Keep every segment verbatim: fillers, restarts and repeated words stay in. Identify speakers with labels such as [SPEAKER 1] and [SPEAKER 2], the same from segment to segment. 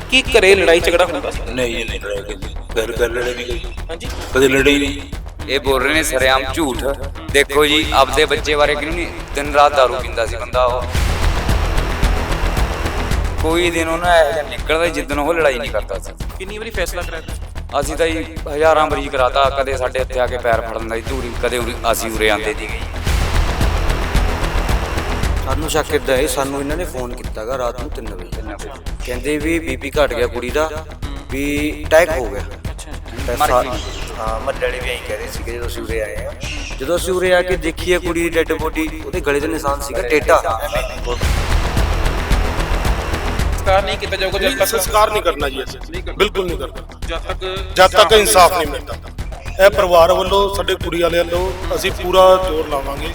[SPEAKER 1] ਕੀ ਘਰੇ ਲੜਾਈ ਝਗੜਾ ਹੁੰਦਾ ਸੀ?
[SPEAKER 2] नहीं ये नहीं लड़ाई कभी घर घर लड़े नहीं कभी
[SPEAKER 1] ਹਾਂਜੀ
[SPEAKER 2] कभी लड़े ही नहीं।
[SPEAKER 3] ਇਹ ਬੋਲ ਰਹੇ ਨੇ ਸਰੇਆਮ ਝੂਠ। ਦੇਖੋ ਜੀ ਆਪਦੇ ਬੱਚੇ ਬਾਰੇ ਕਿਉਂ ਨਹੀਂ, ਦਿਨ ਰਾਤ ਦਾਰੂ ਪੀਂਦਾ ਸੀ ਬੰਦਾ ਉਹ। ਕੋਈ ਦਿਨ ਉਹਨਾਂ ਇਹੋ ਜਿਹਾ ਨਿਕਲਦਾ ਜਿੱਦਣ ਉਹ ਲੜਾਈ ਨਹੀਂ ਕਰਦਾ ਸੀ।
[SPEAKER 1] ਕਿੰਨੀ ਵਾਰੀ ਫੈਸਲਾ ਕਰਾਇਆ ਤੁਸੀਂ?
[SPEAKER 3] ਅਸੀਂ ਤਾਂ ਜੀ ਹਜ਼ਾਰਾਂ ਵਾਰੀ ਕਰਾਤਾ, ਕਦੇ ਸਾਡੇ ਇੱਥੇ ਆ ਕੇ ਪੈਰ ਫੜ ਲੈਂਦਾ ਸੀ ਧੂਰੀ, ਕਦੇ ਉਰੇ ਅਸੀਂ ਉਰੇ ਆਉਂਦੇ ਸੀਗੇ ਜੀ।
[SPEAKER 4] ਸਾਨੂੰ ਸ਼ੱਕ ਇੱਦਾਂ ਹੈ, ਸਾਨੂੰ ਇਹਨਾਂ ਨੇ ਫੋਨ ਕੀਤਾਗਾ ਰਾਤ ਨੂੰ ਤਿੰਨ ਵਜੇ, ਕਹਿੰਦੇ ਵੀ ਬੀਪੀ ਘਟ ਗਿਆ ਕੁੜੀ ਦਾ, ਵੀ ਅਟੈਕ ਹੋ ਗਿਆ।
[SPEAKER 1] ਅੱਛਾ
[SPEAKER 4] ਹਾਂ ਮੱਲੇ ਵਾਲੇ ਵੀ ਐਂ ਕਹਿ ਰਹੇ ਸੀਗੇ ਜਦੋਂ ਅਸੀਂ ਉਰੇ ਆਏ ਆ। ਜਦੋਂ ਅਸੀਂ ਉਰੇ ਆ ਕੇ ਦੇਖੀਏ ਕੁੜੀ ਦੀ ਡੈੱਡ ਬੋਡੀ, ਉਹਦੇ ਗਲੇ ਦੇ ਨਿਸ਼ਾਨ ਸੀਗਾ ਟੇਢਾ।
[SPEAKER 1] ਸੰਸਕਾਰ ਨਹੀਂ ਕੀਤਾ ਜਾਊਗਾ ਜਦ ਤੱਕ
[SPEAKER 5] ਸੰਸਕਾਰ ਨਹੀਂ ਕਰਨਾ ਜੀ ਅਸੀਂ, ਬਿਲਕੁਲ ਨਹੀਂ ਕਰਨਾ
[SPEAKER 1] ਜਦ ਤੱਕ
[SPEAKER 5] ਜਦ ਤੱਕ ਇਨਸਾਫ ਨਹੀਂ ਮਿਲਦਾ। ਇਹ ਪਰਿਵਾਰ ਵੱਲੋਂ, ਸਾਡੇ ਕੁੜੀ ਵਾਲਿਆਂ ਵੱਲੋਂ ਅਸੀਂ ਪੂਰਾ ਜ਼ੋਰ ਲਾਵਾਂਗੇ।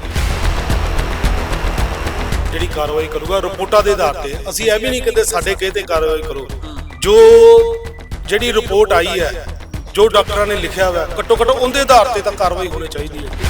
[SPEAKER 5] ਜਿਹੜੀ ਕਾਰਵਾਈ ਕਰੂਗਾ ਰਿਪੋਰਟਾਂ ਦੇ ਆਧਾਰ ਤੇ। ਅਸੀਂ ਇਹ ਵੀ ਨਹੀਂ ਕਹਿੰਦੇ ਸਾਡੇ ਕਹੇ ਤੇ ਕਾਰਵਾਈ ਕਰੋ। ਜੋ ਜਿਹੜੀ ਰਿਪੋਰਟ ਆਈ ਹੈ, ਜੋ ਡਾਕਟਰਾਂ ਨੇ ਲਿਖਿਆ ਹੋਇਆ, ਘੱਟੋ ਘੱਟ ਉਹਦੇ ਆਧਾਰ ਤੇ ਤਾਂ ਕਾਰਵਾਈ ਹੋਣੀ ਚਾਹੀਦੀ ਹੈ।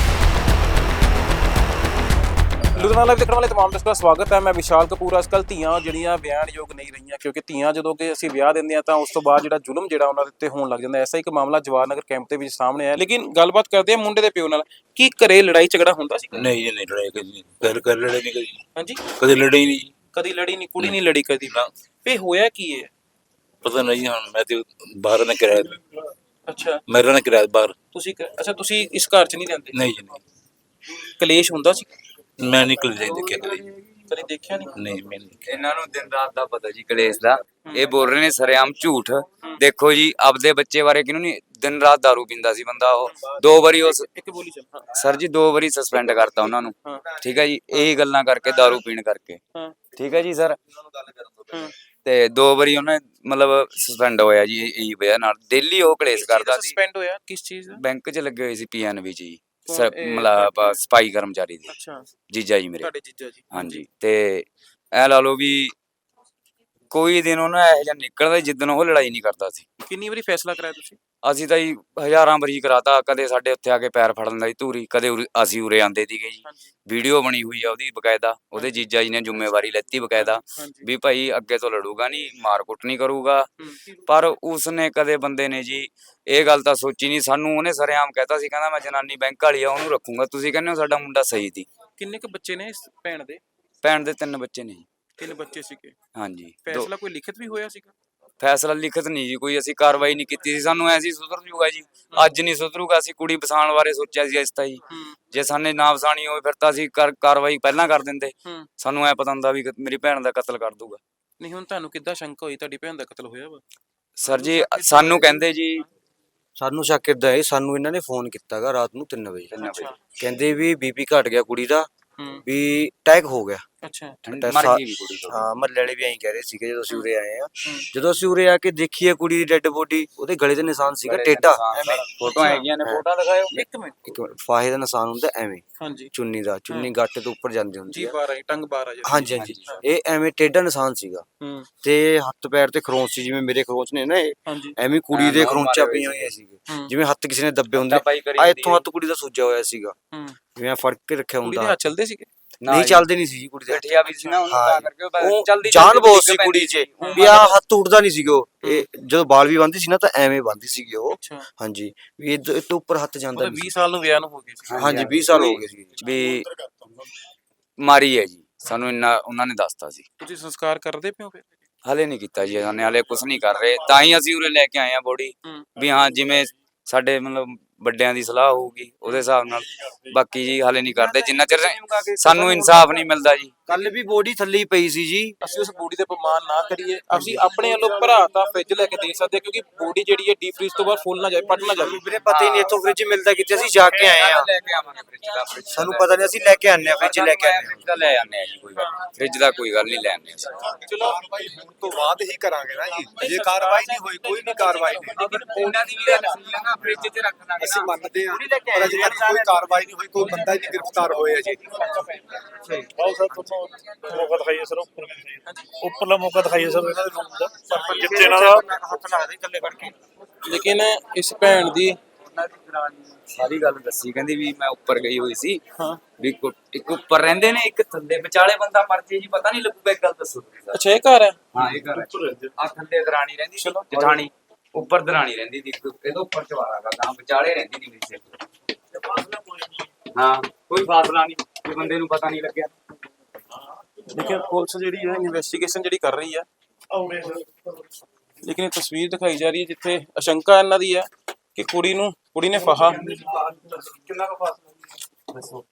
[SPEAKER 1] ਲੁਧਿਆਣਾ ਲਾਈਵ ਦੇਖਣ ਵਾਲੇ ਤਮਾਮ ਦਰਸ਼ਕਾਂ ਦਾ ਸਵਾਗਤ ਹੈ। ਮੈਂ ਵਿਸ਼ਾਲ ਕਪੂਰ। ਅੱਜ ਕੱਲ੍ਹ ਧੀਆਂ ਜਿਹੜੀਆਂ ਵਿਆਹਣਯੋਗ ਨਹੀਂ ਰਹੀਆਂ, ਕਿਉਂਕਿ ਧੀਆਂ ਜਦੋਂ ਕਿ ਅਸੀਂ ਵਿਆਹ ਦਿੰਦੇ ਹਾਂ ਤਾਂ ਉਸ ਤੋਂ ਬਾਅਦ ਜਿਹੜਾ ਜ਼ੁਲਮ ਜਿਹੜਾ ਉਹਨਾਂ ਦੇ ਉੱਤੇ ਹੋਣ ਲੱਗ ਜਾਂਦਾ। ਐਸਾ ਇੱਕ ਮਾਮਲਾ ਜਵਾਹਰ ਨਗਰ ਕੈਂਪ ਦੇ ਵਿੱਚ ਸਾਹਮਣੇ ਆਇਆ। ਲੇਕਿਨ ਗੱਲਬਾਤ ਕਰਦੇ ਹਾਂ ਮੁੰਡੇ ਦੇ ਪਿਓ ਨਾਲ। ਕੀ ਘਰੇ ਲੜਾਈ ਝਗੜਾ ਹੁੰਦਾ ਸੀ?
[SPEAKER 2] नहीं ये नहीं लड़ाई कभी घर घर लड़े नहीं कभी
[SPEAKER 1] ਹਾਂਜੀ
[SPEAKER 2] कभी लड़े ही नहीं।
[SPEAKER 1] ਕਦੀ ਲੜੀ ਨਹੀਂ, ਕੁੜੀ ਨਹੀਂ ਲੜੀ ਕਦੀ। ਫੇ ਹੋਇਆ ਕੀ ਹੈ?
[SPEAKER 2] पता नहीं हाँ मैं तो बाहर ना किराया,
[SPEAKER 1] ਅੱਛਾ
[SPEAKER 2] मेरा ना किराया बाहर।
[SPEAKER 1] ਤੁਸੀਂ ਕ- ਅੱਛਾ ਤੁਸੀਂ ਇਸ ਘਰ 'ਚ ਨਹੀਂ ਰਹਿੰਦੇ?
[SPEAKER 2] नहीं जी नहीं,
[SPEAKER 1] ਕਲੇਸ਼ ਹੁੰਦਾ ਸੀ?
[SPEAKER 2] मैं निकल जाए देखे कभी
[SPEAKER 1] ਕਦੀ ਦੇਖਿਆ ਨਹੀਂ?
[SPEAKER 2] नहीं मैं नहीं।
[SPEAKER 3] ਇਹਨਾਂ ਨੂੰ ਦਿਨ ਰਾਤ ਦਾ ਪਤਾ ਜੀ ਕਲੇਸ਼ ਦਾ। ਇਹ ਬੋਲ ਰਹੇ ਨੇ ਸਰੇਆਮ ਝੂਠ। ਦੇਖੋ ਜੀ ਆਪਦੇ ਬੱਚੇ ਬਾਰੇ ਕਿਉਂ ਨਹੀਂ, ਦਿਨ ਰਾਤ ਦਾਰੂ ਪੀਂਦਾ ਸੀ ਬੰਦਾ ਉਹ। ਦੋ ਵਾਰੀ ਉਸ
[SPEAKER 1] ਇੱਕ ਬੋਲੀ ਚੱਲ। ਹਾਂ
[SPEAKER 3] ਸਰ ਜੀ ਦੋ ਵਾਰੀ ਸਸਪੈਂਡ ਕਰਤਾ ਉਹਨਾਂ ਨੂੰ।
[SPEAKER 1] ਹਾਂ
[SPEAKER 3] ਠੀਕ ਹੈ ਜੀ, ਇਹੀ ਗੱਲਾਂ ਕਰਕੇ ਦਾਰੂ ਪੀਣ ਕਰਕੇ।
[SPEAKER 1] ਹਾਂ
[SPEAKER 3] ਠੀਕ ਹੈ ਜੀ ਸਰ।
[SPEAKER 1] ਹਾਂ
[SPEAKER 3] ਤੇ ਦੋ ਵਾਰੀ ਉਹਨੇ ਮਤਲਬ ਸਸਪੈਂਡ ਹੋਇਆ ਜੀ ਇਹੀ ਵਜ੍ਹਾ ਨਾਲ। ਡੇਲੀ ਉਹ ਕਲੇਸ਼ ਕਰਦਾ ਸੀ।
[SPEAKER 1] ਸਸਪੈਂਡ ਹੋਇਆ ਕਿਸ ਚੀਜ਼ ਦਾ?
[SPEAKER 3] ਬੈਂਕ 'ਚ ਲੱਗੇ ਹੋਏ ਸੀ ਪੀਐਨਬੀ 'ਚ ਜੀ,
[SPEAKER 1] ਕੌਣ ਇਹ?
[SPEAKER 3] ਮਤਲਬ ਸਪਾਈ ਕਰਮਚਾਰੀ ਦੀ।
[SPEAKER 1] ਅੱਛਾ
[SPEAKER 3] ਜੀਜਾ ਜੀ ਮੇਰੇ।
[SPEAKER 1] ਤੁਹਾਡੇ ਜੀਜਾ ਜੀ?
[SPEAKER 3] ਹਾਂਜੀ ਤੇ ਇਹ ਲਾ ਲਓ ਵੀ ਕੋਈ ਦਿਨ ਉਹਨਾਂ ਇਹੋ ਜਿਹਾ ਨਿਕਲਦਾ ਜਿੱਦਣ ਉਹ ਲੜਾਈ ਨਹੀਂ ਕਰਦਾ ਸੀ।
[SPEAKER 1] ਕਿੰਨੀ ਵਾਰੀ ਫੈਸਲਾ ਕਰਾਇਆ ਤੁਸੀਂ?
[SPEAKER 3] ਅਸੀਂ ਤਾਂ ਜੀ ਹਜ਼ਾਰਾਂ ਵਾਰੀ ਕਰਾਤਾ, ਕਦੇ ਸਾਡੇ ਉੱਥੇ ਆ ਕੇ ਪੈਰ ਫੜ ਲੈਂਦਾ ਸੀ ਧੂਰੀ, ਕਦੇ ਉਰੇ ਅਸੀਂ ਉਰੇ ਆਉਂਦੇ ਸੀਗੇ ਜੀ।
[SPEAKER 1] ਹਾਂਜੀ
[SPEAKER 3] ਵੀਡੀਓ ਬਣੀ ਹੋਈ ਆ ਉਹਦੀ ਬਕਾਇਦਾ। ਉਹਦੇ ਜੀਜਾ ਜੀ ਨੇ ਜ਼ਿੰਮੇਵਾਰੀ ਲੈਤੀ ਬਕਾਇਦਾ
[SPEAKER 1] ਹਾਂਜੀ
[SPEAKER 3] ਵੀ ਭਾਈ ਅੱਗੇ ਤੋਂ ਲੜੂਗਾ ਨਹੀਂ, ਮਾਰ ਕੁੱਟ ਨਹੀਂ ਕਰੂਗਾ।
[SPEAKER 1] ਹੂੰ।
[SPEAKER 3] ਪਰ ਉਸਨੇ ਕਦੇ ਬੰਦੇ ਨੇ ਜੀ ਇਹ ਗੱਲ ਤਾਂ ਸੋਚੀ ਨਹੀਂ। ਸਾਨੂੰ ਉਹਨੇ ਸਰੇਆਮ ਕਹਿਤਾ ਸੀ, ਕਹਿੰਦਾ ਮੈਂ ਜਨਾਨੀ ਬੈਂਕ ਵਾਲੀ ਆ ਉਹਨੂੰ ਰੱਖੂੰਗਾ। ਤੁਸੀਂ ਕਹਿੰਦੇ ਹੋ ਸਾਡਾ ਮੁੰਡਾ ਸਹੀ ਸੀ।
[SPEAKER 1] ਕਿੰਨੇ ਕੁ ਬੱਚੇ ਨੇ ਇਸ ਭੈਣ ਦੇ?
[SPEAKER 3] ਭੈਣ ਦੇ ਤਿੰਨ ਬੱਚੇ ਨੇ ਜੀ।
[SPEAKER 1] ਤਿੰਨ ਬੱਚੇ ਸੀਗੇ।
[SPEAKER 3] ਹਾਂਜੀ ਦੋ-
[SPEAKER 1] ਫੈਸਲਾ ਕੋਈ ਲਿਖਤ ਵੀ ਹੋਇਆ ਸੀਗਾ?
[SPEAKER 3] ਫੈਸਲਾ ਲਿਖਤ ਨਹੀਂ ਜੀ ਕੋਈ, ਅਸੀਂ ਕਾਰਵਾਈ ਨਹੀਂ ਕੀਤੀ ਸੀ। ਸਾਨੂੰ ਐਸੀ ਸੁਧਰ ਜੂਗਾ ਜੀ, ਅੱਜ ਨਹੀਂ ਸੁਧਰੂਗਾ। ਅਸੀਂ ਕੁੜੀ ਵਸਾਉਣ ਬਾਰੇ ਸੋਚਿਆ ਸੀ ਇਸ ਤਾਂ ਜੀ।
[SPEAKER 1] ਹੂੰ
[SPEAKER 3] ਜੇ ਸਾਨੇ ਨਾ ਵਸਾਣੀ ਹੋਵੇ ਫਿਰ ਤਾਂ ਅਸੀਂ ਕਰ ਕਾਰਵਾਈ ਪਹਿਲਾਂ ਕਰ ਦਿੰਦੇ।
[SPEAKER 1] ਹੂੰ।
[SPEAKER 3] ਸਾਨੂੰ ਐ ਪਤਾ ਹੁੰਦਾ ਵੀ ਮੇਰੀ ਭੈਣ ਦਾ ਕਤਲ ਕਰ ਦੂਗਾ।
[SPEAKER 1] ਨਹੀਂ ਹੁਣ ਤੁਹਾਨੂੰ ਕਿੱਦਾਂ ਸ਼ੰਕਾ ਹੋਈ ਤੁਹਾਡੀ ਭੈਣ ਦਾ ਕਤਲ ਹੋਇਆ ਵਾ?
[SPEAKER 3] ਸਰ ਜੀ ਸਾਨੂੰ ਕਹਿੰਦੇ ਜੀ
[SPEAKER 4] ਸਾਨੂੰ ਸ਼ੱਕ ਇੱਦਾਂ ਹੈ, ਸਾਨੂੰ ਇਹਨਾਂ ਨੇ ਫੋਨ ਕੀਤਾਗਾ ਰਾਤ ਨੂੰ ਤਿੰਨ ਵਜੇ,
[SPEAKER 1] ਅੱਛਾ
[SPEAKER 4] ਕਹਿੰਦੇ ਵੀ ਬੀਪੀ ਘਟ ਗਿਆ ਕੁੜੀ ਦਾ,
[SPEAKER 1] ਹੂੰ
[SPEAKER 4] ਵੀ ਅਟੈਕ ਹੋ ਗਿਆ।
[SPEAKER 1] ਅੱਛਾ
[SPEAKER 3] ਮਰ ਗਈ ਵੀ ਕੁੜੀ ਤੋਂ।
[SPEAKER 4] ਹਾਂ ਮੱਲੇ ਵਾਲੇ ਵੀ ਐਂ ਕਹਿ ਰਹੇ ਸੀਗੇ ਜਦੋਂ ਅਸੀਂ ਉਰੇ ਆਏ ਆ।
[SPEAKER 1] ਹੂੰ।
[SPEAKER 4] ਜਦੋਂ ਅਸੀਂ ਉਰੇ ਆ ਕੇ ਦੇਖੀਏ ਕੁੜੀ ਦੀ ਡੈੱਡ ਬੋਡੀ, ਉਹਦੇ ਗਲੇ ਦੇ ਨਿਸ਼ਾਨ ਸੀਗਾ ਟੇਢਾ।
[SPEAKER 3] ਫੋਟੋਆਂ ਹੈਗੀਆਂ ਨੇ, ਫੋਟੋਆਂ ਦਿਖਾਇਓ।
[SPEAKER 1] ਇੱਕ ਮਿੰਟ।
[SPEAKER 4] ਇੱਕ ਮਿੰਟ, ਫਾਹੇ ਦਾ ਨਿਸ਼ਾਨ ਹੁੰਦਾ ਐਵੇਂ
[SPEAKER 1] ਹਾਂਜੀ
[SPEAKER 4] ਚੁੰਨੀ ਦਾ, ਚੁੰਨੀ ਗੱਟ ਤੋਂ ਉੱਪਰ ਜਾਂਦੀ ਹੁੰਦੀ
[SPEAKER 1] ਜੀ
[SPEAKER 4] ਆ।
[SPEAKER 1] ਬਾਰ ਆਈ ਟੰਗ ਬਾਰ ਆ ਜਾਂਦੀ।
[SPEAKER 4] ਹਾਂਜੀ ਹਾਂਜੀ, ਇਹ ਐਵੇਂ ਟੇਢਾ ਨਿਸ਼ਾਨ ਸੀਗਾ।
[SPEAKER 1] ਹੂੰ
[SPEAKER 4] ਤੇ ਹੱਥ ਪੈਰ ਤੇ ਖਰੋਂਚ ਸੀ, ਜਿਵੇਂ ਮੇਰੇ ਖਰੋਂਚ ਨੇ ਨਾ, ਇਹ
[SPEAKER 1] ਹਾਂਜੀ
[SPEAKER 4] ਐਵੇਂ ਕੁੜੀ ਦੇ ਖਰੋਂਚਾਂ ਪਈਆਂ ਹੋਈਆਂ ਸੀਗੇ,
[SPEAKER 1] ਹੂੰ।
[SPEAKER 4] ਜਿਵੇਂ ਹੱਥ ਕਿਸੇ ਨੇ ਦੱਬੇ ਹੁੰਦੇ।
[SPEAKER 3] ਪਾਈ ਕਰੀ
[SPEAKER 4] ਆ
[SPEAKER 3] ਹੁੰਦੀ
[SPEAKER 4] ਇੱਥੋਂ ਹੱਥ ਕੁੜੀ ਦਾ ਸੁੱਜਿਆ ਹੋਇਆ ਸੀਗਾ,
[SPEAKER 1] ਹੂੰ।
[SPEAKER 4] ਜਿਵੇਂ ਫੜ ਕੇ ਰੱਖਿਆ
[SPEAKER 1] ਕੁੜੀ ਦੇ
[SPEAKER 4] ਹੁੰਦਾ।
[SPEAKER 1] ਹੱਥ ਚੱਲਦੇ ਸੀਗੇ?
[SPEAKER 4] ਨਹੀਂ ਚੱਲਦੇ ਨਹੀਂ ਸੀ ਜੀ ਕੁੜੀ ਦੇ ਹੱਥ।
[SPEAKER 3] ਗਠੀਆ ਵੀ ਸੀ ਨਾ ਉਹਨੂੰ, ਤਾਂ ਕਰਕੇ ਉਹ
[SPEAKER 4] ਉਹ
[SPEAKER 3] ਜਲਦੀ
[SPEAKER 4] ਜਾਨ ਬਹੁਤ ਸੀ ਕੁੜੀ 'ਚ, ਵੀ ਆ ਹੱਥ ਉੱਠਦਾ ਨਹੀਂ ਸੀਗਾ ਉਹ। ਇਹ ਜਦੋਂ ਬਾਲ ਵੀ ਬੰਨ੍ਹਦੀ ਸੀ ਨਾ ਤਾਂ ਐਵੇਂ ਬੰਨ੍ਹਦੀ ਸੀਗੀ ਉਹ।
[SPEAKER 1] ਅੱਛਾ
[SPEAKER 4] ਹਾਂਜੀ, ਵੀ ਇਹ ਤੋਂ ਉੱਪਰ ਹੱਥ ਜਾਂਦਾ
[SPEAKER 1] ਮਤਲਬ
[SPEAKER 4] ਨਹੀਂ
[SPEAKER 1] ਵੀਹ ਸਾਲ ਨੂੰ ਵਿਆਹ ਨੂੰ ਹੋ ਗਏ ਸੀ?
[SPEAKER 4] ਹਾਂਜੀ ਵੀਹ ਸਾਲ ਹੋ ਗਏ ਸੀ।
[SPEAKER 3] ਵੀ ਮਾਰੀ ਹੈ ਜੀ, ਸਾਨੂੰ ਇੰਨਾ ਉਹਨਾਂ ਨੇ ਦੱਸਤਾ ਸੀ।
[SPEAKER 1] ਤੁਸੀਂ ਸੰਸਕਾਰ ਕਰਦੇ ਪਿਓ ਫਿਰ?
[SPEAKER 3] ਹਲੇ ਨਹੀਂ ਕੀਤਾ ਜੀ, ਸਾਨੇ ਹਲੇ ਕੁਝ ਨਹੀਂ ਕਰ ਰਹੇ। ਤਾਂ ਹੀ ਅਸੀਂ ਉਰੇ ਲੈ ਕੇ ਆਏ ਆ ਬੋਡੀ,
[SPEAKER 1] ਹੂੰ
[SPEAKER 3] ਵੀ ਹਾਂ ਜਿਵੇਂ ਸਾਡੇ ਮਤਲਬ ਵੱਡਿਆਂ ਦੀ ਸਲਾਹ ਹੋਊਗੀ ਉਹਦੇ ਹਿਸਾਬ ਨਾਲ। ਬਾਕੀ ਜੀ ਹਲੇ ਨਹੀਂ ਕਰਦੇ ਜਿੰਨਾ ਚਿਰ ਸਾਨੂੰ ਇਨਸਾਫ ਨਹੀਂ ਮਿਲਦਾ ਜੀ।
[SPEAKER 4] ਕੱਲ ਵੀ ਬੋਡੀ ਥੱਲੇ ਹੀ ਪਈ ਸੀ ਜੀ।
[SPEAKER 1] ਅਸੀਂ ਉਸ ਬੋਡੀ ਤੇ ਅਪਮਾਨ ਨਾ ਕਰੀਏ। ਅਸੀਂ ਆਪਣੇ ਵੱਲੋਂ ਭਰਾ ਤਾਂ ਫ੍ਰਿਜ ਲੈ ਕੇ ਦੇ ਸਕਦੇ ਹਾਂ, ਕਿਉਂਕਿ ਬੋਡੀ ਜਿਹੜੀ ਹੈ ਡੀਪ ਫ੍ਰੀਜ਼ ਤੋਂ ਬਾਅਦ ਫੁੱਲ ਨਾ ਜਾਏ, ਪਟ ਨਾ ਜਾਵੇ।
[SPEAKER 4] ਵੀਰੇ ਪਤਾ ਹੀ ਨਹੀਂ ਇੱਥੋਂ ਫ੍ਰਿਜ ਮਿਲਦਾ ਕਿੱਥੇ, ਅਸੀਂ ਜਾ ਕੇ ਆਏ ਆ।
[SPEAKER 3] ਲੈ ਕੇ ਆਵਾਂਗੇ ਫ੍ਰਿਜ ਦਾ, ਫ੍ਰਿਜ
[SPEAKER 4] ਸਾਨੂੰ ਪਤਾ ਨਹੀਂ, ਅਸੀਂ ਲੈ ਕੇ ਆਨੇ ਆ, ਫ੍ਰਿਜ ਲੈ ਕੇ ਆਨੇ
[SPEAKER 3] ਫ੍ਰਿਜ ਦਾ ਲੈ ਆਨੇ ਆ ਜੀ, ਕੋਈ ਗੱਲ ਨਹੀਂ। ਫ੍ਰਿਜ ਦਾ ਕੋਈ ਗੱਲ ਨਹੀਂ ਲੈ ਆਨੇ ਅਸੀਂ।
[SPEAKER 1] ਚਲੋ
[SPEAKER 6] ਹੁਣ ਤੋਂ ਬਾਅਦ ਹੀ ਕਰਾਂਗੇ ਨਾ ਜੀ। ਜੇ ਕਾਰਵਾਈ ਨਹੀਂ ਹੋਈ, ਕੋਈ ਨਹੀਂ ਕਾਰਵਾਈ ਨਹੀਂ,
[SPEAKER 3] ਉਹਨਾਂ ਦੀ ਵੀ ਨਾ ਫ੍ਰਿਜ 'ਚ ਰੱਖ ਦਾਂਗੇ।
[SPEAKER 6] ਅਸੀਂ ਮੰਨਦੇ ਹਾਂ, ਪਰ ਅਜੇ ਤੱਕ ਕੋਈ ਕਾਰਵਾਈ ਨਹੀਂ ਹੋਈ, ਕੋਈ ਬੰਦਾ ਹੀ ਨਹੀਂ ਗ੍ਰਿਫਤਾਰ ਹੋਇਆ ਜੀ।
[SPEAKER 5] ਬਹੁਤ ਸਰ ਤੁਹਾਨੂੰ ਮੌਕਾ ਦਿਖਾਈਏ ਸਰ, ਉੱਪਰ ਵੀ ਦਿਖਾਈਏ, ਉੱਪਰਲਾ ਮੌਕਾ ਦਿਖਾਈਏ ਸਰ ਇਹਨਾਂ ਦੇ ਰੂਮ ਦਾ, ਜਿੱਥੇ ਇਹਨਾਂ ਦਾ
[SPEAKER 1] ਲੇਕਿਨ ਇਸ ਭੈਣ ਦੀ
[SPEAKER 3] ਸਾਰੀ ਗੱਲ ਦੱਸੀ, ਕਹਿੰਦੀ ਵੀ ਮੈਂ ਉੱਪਰ ਗਈ ਹੋਈ ਸੀ
[SPEAKER 1] ਹਾਂ
[SPEAKER 3] ਵੀ ਕੋ- ਇੱਕ ਉੱਪਰ ਰਹਿੰਦੇ ਨੇ, ਇੱਕ ਥੱਲੇ, ਵਿਚਾਲੇ ਬੰਦਾ ਮਰ ਜੇ ਜੀ ਪਤਾ ਨਹੀਂ ਲੱਗੂਗਾ। ਇੱਕ ਗੱਲ ਦੱਸੋ ਤੁਸੀਂ ਸਰ।
[SPEAKER 1] ਅੱਛਾ ਇਹ ਘਰ ਹੈ।
[SPEAKER 3] ਹਾਂ ਇਹ ਘਰ ਹੈ। ਆ ਥੱਲੇ ਦਰਾਣੀ ਰਹਿੰਦੀ ਸੀ ਜਠਾਣੀ, ਉੱਪਰ ਦਰਾਣੀ ਰਹਿੰਦੀ ਸੀ, ਇੱਕ ਇਹਦੇ ਉੱਪਰ ਚਵਾਰਾ ਗਾ, ਗਾਂ ਵਿਚਾਲੇ ਰਹਿੰਦੀ ਸੀ ਮੇਰੀ ਸਿਰ। ਹਾਂ ਕੋਈ ਫਾਸਲਾ ਨਹੀਂ, ਕੋਈ ਬੰਦੇ ਨੂੰ ਪਤਾ ਨਹੀਂ ਲੱਗਿਆ।
[SPEAKER 1] ਲੇਕਿਨ ਪੁਲਿਸ ਜਿਹੜੀ ਹੈ ਇਨਵੈਸਟੀਗੇਸ਼ਨ ਜਿਹੜੀ ਕਰ ਰਹੀ ਹੈ, ਲੇਕਿਨ ਇਹ ਤਸਵੀਰ ਦਿਖਾਈ ਜਾ ਰਹੀ ਹੈ ਜਿੱਥੇ ਆਸ਼ੰਕਾ ਇਹਨਾਂ ਦੀ ਹੈ ਕਿ ਕੁੜੀ ਨੂੰ ਕੁੜੀ ਨੇ ਫਾਹਾ
[SPEAKER 7] ਕਿੰਨਾ ਕੁ ਫਾਸਲਾ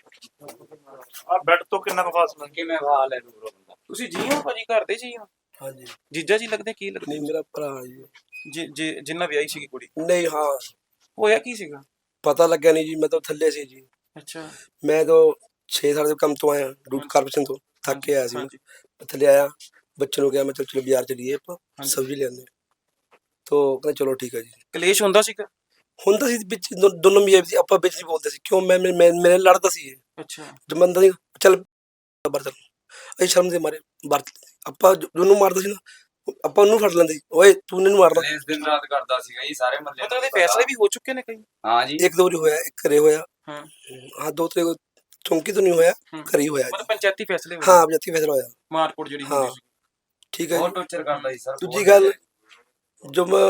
[SPEAKER 7] ਆ ਬੈੱਡ ਤੋਂ ਕਿੰਨਾ ਕੁ ਫਾਸਲਾ?
[SPEAKER 3] ਕਿਵੇਂ ਹਾਲ ਹੈ ਦੂਰੋਂ ਬੰਦਾ?
[SPEAKER 1] ਤੁਸੀਂ ਜੀ ਹੋ ਭਾਜੀ, ਘਰ ਦੇ ਜੀ ਹੋ?
[SPEAKER 8] ਹਾਂਜੀ
[SPEAKER 1] ਜੀਜਾ ਜੀ ਲੱਗਦੇ ਕੀ ਲੱਗਦੇ?
[SPEAKER 8] ਨਹੀਂ ਮੇਰਾ ਭਰਾ ਜੀ
[SPEAKER 1] ਜੀ ਜੀ ਜਿੰਨਾ ਵਿਆਹੀ ਸੀਗੀ ਕੁੜੀ,
[SPEAKER 8] ਨਹੀਂ ਹਾਂ
[SPEAKER 1] ਹੋਇਆ ਕੀ ਸੀਗਾ?
[SPEAKER 8] ਪਤਾ ਲੱਗਿਆ ਨਹੀਂ ਜੀ ਮੈਂ ਤਾਂ ਥੱਲੇ ਸੀ ਜੀ
[SPEAKER 1] ਅੱਛਾ
[SPEAKER 8] ਮੈਂ ਤਾਂ ਛੇ ਸਾਲ ਦੇ ਕੰਮ ਤੋਂ ਆਇਆ ਡੂਟ ਕਾਰਪੋਰੇਸ਼ਨ ਤੋਂ ਥੱਕ ਕੇ ਆਇਆ ਸੀ ਮੈਂ
[SPEAKER 1] ਹਾਂਜੀ।
[SPEAKER 8] ਮੈਂ ਥੱਲੇ ਆਇਆ ਬੱਚੇ ਨੂੰ ਕਿਹਾ ਮੈਂ ਚਲ ਚਲੋ ਬਾਜ਼ਾਰ ਚਲੀਏ ਆਪਾਂ
[SPEAKER 1] ਹਾਂਜੀ।
[SPEAKER 8] ਸਬਜ਼ੀ ਲੈਂਦੇ ਤੋਂ ਕਹਿੰਦੇ ਚਲੋ ਠੀਕ ਹੈ ਜੀ
[SPEAKER 1] ਕਲੇਸ਼ ਹੁੰਦਾ ਸੀਗਾ?
[SPEAKER 8] ਹੁੰਦਾ ਸੀ ਵਿੱਚ ਦੋ- ਦੋਨੋਂ ਮੀਆਂ ਸੀ ਆਪਾਂ ਵਿੱਚ ਨਹੀਂ ਬੋਲਦੇ ਸੀ ਕਿਉਂ ਮੈਂ ਮੈਂ ਮੈਂ- ਮੇਰੇ ਨਾਲ ਲੜਦਾ ਸੀ ਇਹ
[SPEAKER 1] ਅੱਛਾ
[SPEAKER 8] ਜਮੰਦਾ ਨਹੀਂ ਚੱਲ ਬਾਹਰ ਚੱਲ ਅਸੀਂ ਸ਼ਰਮ ਦੇ ਮਾਰੇ ਬਾਹਰ ਆਪਾਂ ਜਿਹਨੂੰ ਮਾਰਦਾ ਸੀ ਨਾ ਆਪਾਂ ਉਹਨੂੰ ਫੜ ਲੈਂਦੇ ਸੀ ਓਏ ਤੂੰ ਇਹਨੂੰ ਮਾਰਦਾ
[SPEAKER 3] ਇਸ ਦਿਨ ਰਾਤ ਕਰਦਾ ਸੀਗਾ ਜੀ ਸਾਰੇ ਮੱਲੇ।
[SPEAKER 1] ਮਤਲਬ ਇਹਦੇ ਫੈਸਲੇ ਵੀ ਹੋ ਚੁੱਕੇ ਨੇ ਕਈ?
[SPEAKER 3] ਹਾਂ ਜੀ
[SPEAKER 8] ਇੱਕ ਦੋ ਵਾਰੀ ਹੋਇਆ ਇੱਕ ਘਰੇ ਹੋਇਆ
[SPEAKER 1] ਹਾਂ
[SPEAKER 8] ਹਾਂ ਦੋ ਤਰੇ ਚੌਂਕੀ ਤੋਂ ਨਹੀਂ ਹੋਇਆ
[SPEAKER 1] ਹੂੰ।
[SPEAKER 8] ਘਰੇ ਹੀ ਹੋਇਆ
[SPEAKER 1] ਮਤਲਬ ਪੰਚਾਇਤੀ ਫੈਸਲੇ ਹੋਏ?
[SPEAKER 8] ਹਾਂ ਜੱਤੀ ਫੈਸਲਾ ਹੋਇਆ
[SPEAKER 1] ਮਾਰਕੁੱਟ ਜਿਹੜੀ
[SPEAKER 8] ਹਾਂ।
[SPEAKER 1] ਹੁੰਦੀ ਸੀ।
[SPEAKER 8] ਠੀਕ ਹੈ
[SPEAKER 3] ਬਹੁਤ
[SPEAKER 8] ਜੀ
[SPEAKER 3] ਟੌਰਚਰ ਕਰਦਾ ਸੀ ਸਰ।
[SPEAKER 8] ਦੂਜੀ ਗੱਲ जब मैं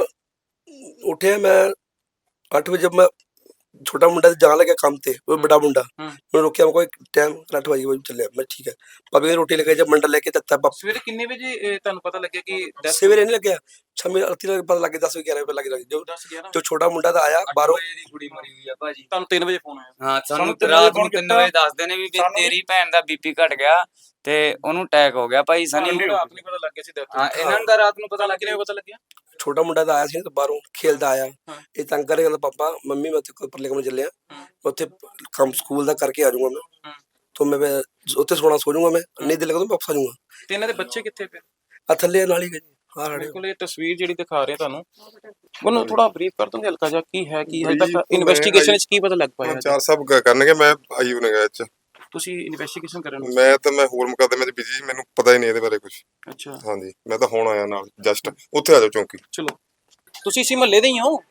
[SPEAKER 8] उठे मैं आठ बजे जब मैं छोटा मुंडा जान लगा काम थे वो बड़ा मुंडा
[SPEAKER 1] हम्म।
[SPEAKER 8] मैं रोकिया मैं कोई टाइम आठ बजे वो चले मैं ठीक है पापी ने रोटी लेके जब मंडल लेके तत्ता पाप
[SPEAKER 1] ਸਵੇਰੇ ਕਿੰਨੇ ਵਜੇ ਇਹ ਤੁਹਾਨੂੰ ਪਤਾ ਲੱਗਿਆ ਕਿ death
[SPEAKER 8] सवेरे नहीं लगे छह अड़ती लगे पता लगे दस बजे ग्यारह बजे लगे लगे जो
[SPEAKER 1] ਦਸ ਗਿਆਰਾਂ
[SPEAKER 8] जो छोटा मुंडा था आया बारह
[SPEAKER 3] ਵਜੇ ਦੀ ਕੁੜੀ ਮਰੀ ਹੋਈ ਆ ਭਾਜੀ।
[SPEAKER 1] ਤੁਹਾਨੂੰ ਤਿੰਨ ਵਜੇ ਫੋਨ ਆਇਆ?
[SPEAKER 3] ਹਾਂ ਸਾਨੂੰ
[SPEAKER 7] ਸਾਨੂੰ ਤਿੰਨ
[SPEAKER 3] ਰਾਤ
[SPEAKER 7] ਵਜੇ
[SPEAKER 3] ਨੂੰ
[SPEAKER 7] phone
[SPEAKER 3] ਤਿੰਨ
[SPEAKER 7] ਕੀਤਾ।
[SPEAKER 3] ਵਜੇ ਦੱਸਦੇ ਨੇ ਵੀ ਵੀ
[SPEAKER 7] ਸਾਨੂੰ-
[SPEAKER 3] ਤੇਰੀ ਭੈਣ ਦਾ ਬੀਪੀ ਘਟ ਗਿਆ ਤੇ ਉਹਨੂੰ ਅਟੈਕ ਹੋ ਗਿਆ ਭਾਈ ਸਨੀ।
[SPEAKER 1] ਤੁਹਾਨੂੰ ਰਾਤ ਨੂੰ ਪਤਾ ਲੱਗ ਗਿਆ ਸੀ death
[SPEAKER 3] ਹਾਂ ਇਹਨਾਂ ਨੂੰ ਤਾਂ ਰਾਤ ਨੂੰ ਪਤਾ ਲੱਗ
[SPEAKER 1] ਕਿਵੇਂ
[SPEAKER 3] ਗਿਆ।
[SPEAKER 1] ਪਤਾ ਲੱਗਿਆ?
[SPEAKER 8] छोटा मुंडा था आया सी तो बाहरों खेलता आया
[SPEAKER 1] हाँ।
[SPEAKER 8] ये तंग करे कहता पापा मम्मी मैं तेरे परले कमरे चलिया
[SPEAKER 1] हाँ।
[SPEAKER 8] उत्थे काम स्कूल दा करके आ जाऊंगा मैं
[SPEAKER 1] हाँ।
[SPEAKER 8] तो मैं उत्थे सोना सो जाऊंगा मैं नहीं दिल लगा तो वापस आ जाऊंगा
[SPEAKER 1] ਤੇ ਇਹਨਾਂ ਦੇ ਬੱਚੇ ਕਿੱਥੇ ਫਿਰ?
[SPEAKER 8] आ थल्ले नाल ही गए हां रड़े
[SPEAKER 1] ਬਿਲਕੁਲ ਇਹ ਤਸਵੀਰ ਜਿਹੜੀ ਦਿਖਾ ਰਹੇ ਤੁਹਾਨੂੰ ਉਹਨੂੰ ਥੋੜਾ ਬਰੀਫ ਕਰ ਦੋਗੇ ਹਲਕਾ ਜਿਹਾ ਕੀ ਹੈ ਕੀ ਹਜੇ ਤੱਕ ਇਨਵੈਸਟੀਗੇਸ਼ਨ ਵਿੱਚ ਕੀ ਪਤਾ ਲੱਗ ਪਾਇਆ ਹੈ?
[SPEAKER 9] ਚਾਰ ਸਾਹਿਬ ਕ- ਕਰਨਗੇ ਮੈਂ ਆਈ ਉਹ ਨਗਾ ਚ
[SPEAKER 1] ਤੁਸੀਂ ਇਨਵੈਸਟੀਗੇਸ਼ਨ ਕਰਨ ਨੂੰ?
[SPEAKER 9] ਮੈਂ ਤਾਂ ਮੈਂ ਹੋਰ ਮੁਕੱਦਮੇ ਚ ਬਿਜੀ ਮੈਨੂੰ ਪਤਾ ਹੀ ਨਹੀਂ ਇਹਦੇ ਬਾਰੇ ਕੁਝ
[SPEAKER 1] ਅੱਛਾ
[SPEAKER 9] ਹਾਂਜੀ ਮੈਂ ਤਾਂ ਹੁਣ ਆਇਆ ਨਾਲ ਜਸਟ ਉੱਥੇ ਆ ਜਾਓ ਚੌਂਕੀ
[SPEAKER 1] ਚਲੋ ਤੁਸੀਂ ਇਸੇ ਮਹੱਲੇ ਦੇ ਹੀ ਹੋ?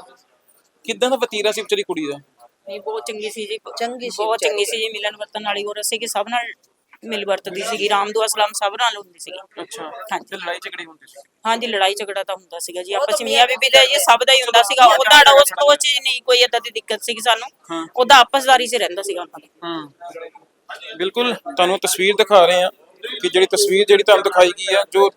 [SPEAKER 1] ਕਿੱਦਾਂ ਦਾ ਵਤੀਰਾ ਸੀ ਵਿਚਾਰੀ ਕੁੜੀ ਦਾ?
[SPEAKER 10] ਨਹੀਂ ਬਹੁਤ ਚੰਗੀ ਸੀ ਜੀ
[SPEAKER 11] ਚੰਗੀ ਸੀ
[SPEAKER 10] ਬਹੁਤ ਚੰਗੀ ਸੀ ਜੀ ਮਿਲਣ ਵਰਤਨ ਵਾਲੀ ਔਰ ਅਸੀਂ ਕਿ ਸਭ ਨਾਲ ਮਿਲ ਵਰਤਦੀ ਸੀਗੀ ਰਾਮਦੁਆ ਸਲਾਮ ਸਭ ਨਾਲ ਹੁੰਦੀ ਸੀਗੀ
[SPEAKER 1] ਅੱਛਾ
[SPEAKER 10] ਹਾਂਜੀ।
[SPEAKER 1] ਤੇ ਲੜਾਈ ਝਗੜੇ ਹੁੰਦੇ ਸੀ?
[SPEAKER 10] ਹਾਂਜੀ ਲੜਾਈ ਝਗੜਾ ਤਾਂ ਹੁੰਦਾ ਸੀਗਾ ਜੀ ਆਪਸ ਵਿੱਚ ਮੀਆਂ ਬੀਬੀ ਦਾ ਜੀ ਸਭ ਦਾ ਹੀ ਹੁੰਦਾ ਸੀਗਾ ਉਹਦਾ ਉਸ ਤੋਂ ਚ ਨਹੀਂ ਕੋਈ ਏਦਾਂ ਦੀ ਦਿੱਕਤ ਸੀਗੀ ਸਾਨੂੰ
[SPEAKER 1] ਹਾਂ।
[SPEAKER 10] ਉਹਦਾ ਆਪਸਦਾਰੀ ਸੇ ਰਹਿੰਦਾ ਸੀਗਾ ਉਹਨਾਂ ਦਾ
[SPEAKER 1] ਹੂੰ ਬਿਲਕੁਲ ਤੁਹਾਨੂੰ ਤਸਵੀਰ ਦਿਖਾ ਰਹੇ ਆ ਕਿ ਜਿਹੜੀ ਤਸਵੀਰ ਜਿਹੜੀ ਤੁਹਾਨੂੰ ਦਿਖਾਈ ਗਈ ਆ ਜੋ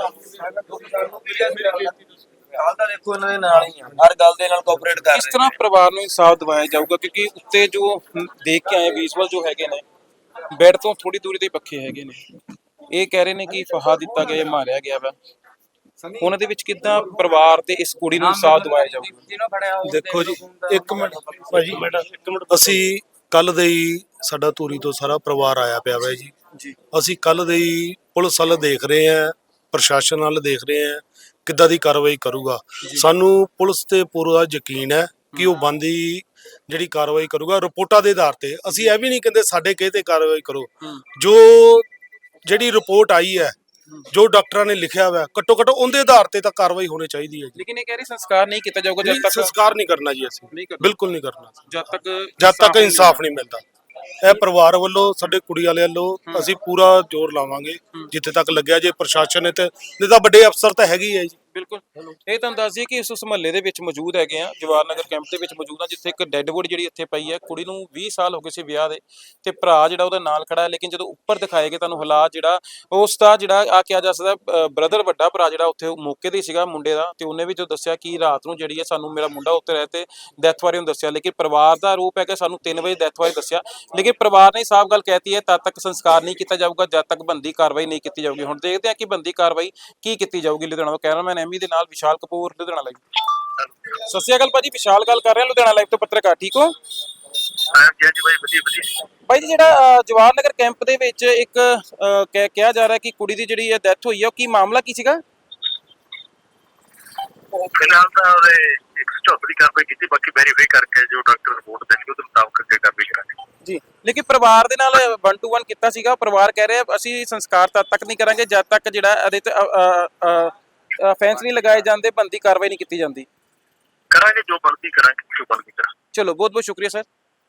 [SPEAKER 4] ਹਾਲ ਤਾਂ ਦੇਖੋ ਇਹਨਾਂ ਦੇ ਨਾਲ ਹੀ ਆ ਹਰ ਗੱਲ ਦੇ ਨਾਲ ਕੋਆਪਰੇਟ ਕਰ
[SPEAKER 1] ਕਿਸ ਤਰ੍ਹਾਂ ਪਰਿਵਾਰ ਨੂੰ ਇਨਸਾਫ ਦਿਵਾਇਆ ਜਾਊਗਾ ਕਿਉਂਕਿ ਉੱਤੇ ਜੋ ਦੇਖ ਕੇ ਆਏ ਵਿਜ਼ੂਅਲ ਜੋ ਹੈਗੇ ਨੇ ਬੈੱਡ ਤੋਂ ਥੋੜੀ ਦੂਰੀ ਤੇ ਪੱਖੇ ਹੈਗੇ ਨੇ ਇਹ ਕਹਿ ਰਹੇ ਨੇ ਕਿ ਫਹਾ ਦਿੱਤਾ ਗਿਆ ਜਾਂ ਮਾਰਿਆ ਗਿਆ ਵਾ ਉਹਨਾਂ ਦੇ ਵਿੱਚ ਕਿੱਦਾਂ ਪਰਿਵਾਰ ਤੇ ਇਸ ਕੁੜੀ ਨੂੰ ਇਨਸਾਫ ਦਿਵਾਇਆ ਜਾਊਗਾ?
[SPEAKER 3] ਜਿਹਨੂੰ ਫੜਿਆ ਉਹ
[SPEAKER 5] ਦੇਖੋ ਜੀ ਇੱਕ ਮਿੰਟ ਭਾਜੀ ਇੱਕ ਮਿੰਟ ਅਸੀਂ ਕੱਲ ਦੇ ਹੀ ਸਾਡਾ ਧੂਰੀ ਤੋਂ ਸਾਰਾ ਪਰਿਵਾਰ ਆਇਆ ਪਿਆ ਵਾ ਜੀ
[SPEAKER 1] ਜੀ
[SPEAKER 5] ਅਸੀਂ ਕੱਲ ਦੇ ਹੀ ਪੁਲਿਸ ਵੱਲ ਦੇਖ ਰਹੇ ਆਂ ਪ੍ਰਸ਼ਾਸਨ ਵੱਲ ਦੇਖ ਰਹੇ ਆਂ ਕਿੱਦਾਂ ਦੀ ਕਾਰਵਾਈ ਕਰੂਗਾ ਸਾਨੂੰ ਪੁਲਿਸ ਤੇ ਪੂਰਾ ਯਕੀਨ ਹੈ ਕਿ ਉਹ ਬੰਦੀ ਜਿਹੜੀ ਕਾਰਵਾਈ ਕਰੂਗਾ ਰਿਪੋਰਟਾਂ ਦੇ ਆਧਾਰ ਤੇ ਅਸੀਂ ਇਹ ਵੀ ਨਹੀਂ ਕਹਿੰਦੇ ਸਾਡੇ ਕਹੇ ਤੇ ਕਾਰਵਾਈ ਕਰੋ ਜੋ ਜਿਹੜੀ ਰਿਪੋਰਟ ਆਈ ਹੈ ਜੋ ਡਾਕਟਰਾਂ ਨੇ ਲਿਖਿਆ ਹੋਇਆ ਘੱਟੋ ਘੱਟ ਉਹਦੇ ਆਧਾਰ ਤੇ ਤਾਂ ਕਾਰਵਾਈ ਹੋਣੀ ਚਾਹੀਦੀ ਹੈ ਜੀ
[SPEAKER 1] ਲੇਕਿਨ ਇਹ ਕਹਿ ਰਹੇ ਸੰਸਕਾਰ ਨਹੀਂ ਕੀਤਾ ਜਾਊਗਾ ਜਦ
[SPEAKER 5] ਨਹੀਂ,
[SPEAKER 1] ਤੱਕ
[SPEAKER 5] ਸੰਸਕਾਰ ਨਹੀਂ ਕਰਨਾ ਜੀ ਅਸੀਂ
[SPEAKER 1] ਨਹੀਂ ਕਰਨਾ।
[SPEAKER 5] ਬਿਲਕੁਲ ਨਹੀਂ ਕਰਨਾ
[SPEAKER 1] ਜਦ ਤੱਕ
[SPEAKER 5] ਜਦ ਤੱਕ ਇਨਸਾਫ ਨਹੀਂ ਮਿਲਦਾ ਇਹ ਪਰਿਵਾਰ ਵੱਲੋਂ ਸਾਡੇ ਕੁੜੀ ਵਾਲਿਆਂ ਵੱਲੋਂ ਅਸੀਂ ਪੂਰਾ ਜ਼ੋਰ ਲਾਵਾਂਗੇ ਜਿੱਥੇ ਤੱਕ ਲੱਗਿਆ ਜੇ ਪ੍ਰਸ਼ਾਸਨ ਨੇ ਤੇ ਨਹੀਂ ਤਾਂ ਵੱਡੇ ਅਫਸਰ ਤਾਂ ਹੈਗੇ ਹੀ ਹੈ ਜੀ
[SPEAKER 1] ਬਿਲਕੁਲ ਇਹ ਤੁਹਾਨੂੰ ਦੱਸ ਦਈਏ ਕਿ ਇਸ ਉਸ ਮਹੱਲੇ ਦੇ ਵਿੱਚ ਮੌਜੂਦ ਹੈਗੇ ਆ ਜਵਾਹਰ ਨਗਰ ਕੈਂਪ ਦੇ ਵਿੱਚ ਮੌਜੂਦ ਆ ਜਿੱਥੇ ਇੱਕ ਡੈੱਡ ਬੋਡੀ ਜਿਹੜੀ ਇੱਥੇ ਪਈ ਹੈ ਕੁੜੀ ਨੂੰ ਵੀਹ ਸਾਲ ਹੋ ਗਏ ਸੀ ਵਿਆਹ ਦੇ ਤੇ ਭਰਾ ਜਿਹੜਾ ਉਹਦੇ ਨਾਲ ਖੜਾ ਹੈ ਲੇਕਿਨ ਜਦੋਂ ਉੱਪਰ ਦਿਖਾਏ ਗਏ ਤੁਹਾਨੂੰ ਹਾਲਾਤ ਜਿਹੜਾ ਉਸ ਦਾ ਜਿਹੜਾ ਆ ਕਿਹਾ ਜਾ ਸਕਦਾ ਬ੍ਰਦਰ ਵੱਡਾ ਭਰਾ ਜਿਹੜਾ ਉੱਥੇ ਮੌਕੇ ਤੇ ਸੀਗਾ ਮੁੰਡੇ ਦਾ ਤੇ ਉਹਨੇ ਵੀ ਜੋ ਦੱਸਿਆ ਕਿ ਰਾਤ ਨੂੰ ਜਿਹੜੀ ਹੈ ਸਾਨੂੰ ਮੇਰਾ ਮੁੰਡਾ ਉੱਤੇ ਰਹਿ ਤੇ ਡੈਥ ਬਾਰੇ ਉਹਨੂੰ ਦੱਸਿਆ ਲੇਕਿਨ ਪਰਿਵਾਰ ਦਾ ਆਰੋਪ ਹੈ ਕਿ ਸਾਨੂੰ ਤਿੰਨ ਵਜੇ ਡੈਥ ਬਾਰੇ ਦੱਸਿਆ ਲੇਕਿਨ ਪਰਿਵਾਰ ਨੇ ਸਾਫ਼ ਗੱਲ ਕਹਿਤੀ ਹੈ ਤਦ ਤੱਕ ਸੰਸਕਾਰ ਨਹੀਂ ਕੀਤਾ ਜਾਊਗਾ ਜਦ ਤੱਕ ਬੰਦੀ ਕਾਰਵਾਈ ਨਹੀਂ ਕੀਤੀ ਜਾਊਗੀ ਹੁਣ ਦੇਖਦੇ ਆ ਕਿ ਬੰਦੀ ਕਾਰਵਾਈ ਕੀ ਕੀਤੀ ਜਾਊਗੀ ਲੁਧਿਆਣਾ ਤੋਂ ਕੈਮਰਾਮੈਨ ਐਮੀ ਦੇ ਨਾਲ ਵਿਸ਼ਾਲ ਕਪੂਰ ਲੁਧਿਆਣਾ ਲਾਈਵ। ਸਤਿ ਸ਼੍ਰੀ ਅਕਾਲ ਭਾਜੀ ਵਿਸ਼ਾਲ ਗੱਲ ਕਰ ਰਿਹਾ ਲੁਧਿਆਣਾ ਲਾਈਵ ਤੋਂ ਪੱਤਰਕਾਰ ਠੀਕ ਹੋ? ਭਾਈ ਜੀ ਜਿਹੜਾ ਅ, ਜਵਾਹਰ ਨਗਰ ਕੈਂਪ ਦੇ ਵਿੱਚ ਇੱਕ ਅ, ਕਹਿ- ਕਿਹਾ ਜਾ ਰਿਹਾ ਕਿ ਕੁੜੀ ਦੀ ਜਿਹੜੀ ਡੈਥ ਹੋਈ ਹੈ ਉਹ ਕੀ ਮਾਮਲਾ ਕੀ ਸੀਗਾ?
[SPEAKER 6] ਫਿਲਹਾਲ ਤਾਂ ਉਹਦੇ ਇੱਕ ਸਟਾਪ ਦੀ ਕਾਰਵਾਈ ਕੀਤੀ ਬਾਕੀ ਵੈਰੀਫਾਈ ਕਰਕੇ ਜੋ ਡਾਕਟਰ ਰਿਪੋਰਟ ਦੇਣਗੇ ਉਹਦੇ ਮੁਤਾਬਕ ਅੱਗੇ ਕਾਰਵਾਈ ਕਰਾਂਗੇ
[SPEAKER 1] ਜੀ ਲੇਕਿਨ ਪਰਿਵਾਰ ਦੇ ਨਾਲ ਵਨ ਟੂ ਵਨ ਕੀਤਾ ਸੀਗਾ ਪਰਿਵਾਰ ਕਹਿ ਰਿਹਾ ਅਸੀਂ ਸੰਸਕਾਰ ਤਦ ਤੱਕ ਨਹੀਂ ਕਰਾਂਗੇ ਜਦ ਤੱਕ ਜਿਹੜਾ ਇਹਦੇ ਤੇ ਫੈਂਸ ਨਹੀਂ ਲਗਾਏ ਜਾਂਦੇ ਬੰਦੀ ਕਾਰਵਾਈ ਨਹੀਂ ਕੀਤੀ ਜਾਂਦੀ।
[SPEAKER 6] ਕਰਾਂਗੇ ਜੋ ਬਣਦੀ ਕਰਾਂਗੇ ਜੋ ਬਣਦੀ ਕਰਾਂਗੇ
[SPEAKER 1] ਚਲੋ ਬਹੁਤ ਬਹੁਤ ਸ਼ੁਕਰੀਆ ਸਰ।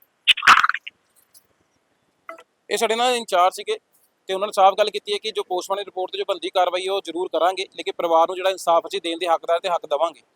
[SPEAKER 1] ਇਹ ਸਾਡੇ ਨਾਲ ਇੰਚਾਰਜ ਸੀਗੇ ਤੇ ਉਹਨਾਂ ਨੇ ਸਾਫ਼ ਗੱਲ ਕੀਤੀ ਹੈ ਕਿ ਜੋ ਪੋਸਟਮਾਰਟਮ ਰਿਪੋਰਟ ਤੇ ਜੋ ਬੰਦੀ ਕਾਰਵਾਈ ਉਹ ਜ਼ਰੂਰ ਕਰਾਂਗੇ, ਲੇਕਿਨ ਪਰਿਵਾਰ ਨੂੰ ਜਿਹੜਾ ਇਨਸਾਫ ਅਸੀਂ ਦੇਣ ਦੇ ਹੱਕਦਾਰ ਤੇ ਹੱਕ ਦੇਵਾਂਗੇ।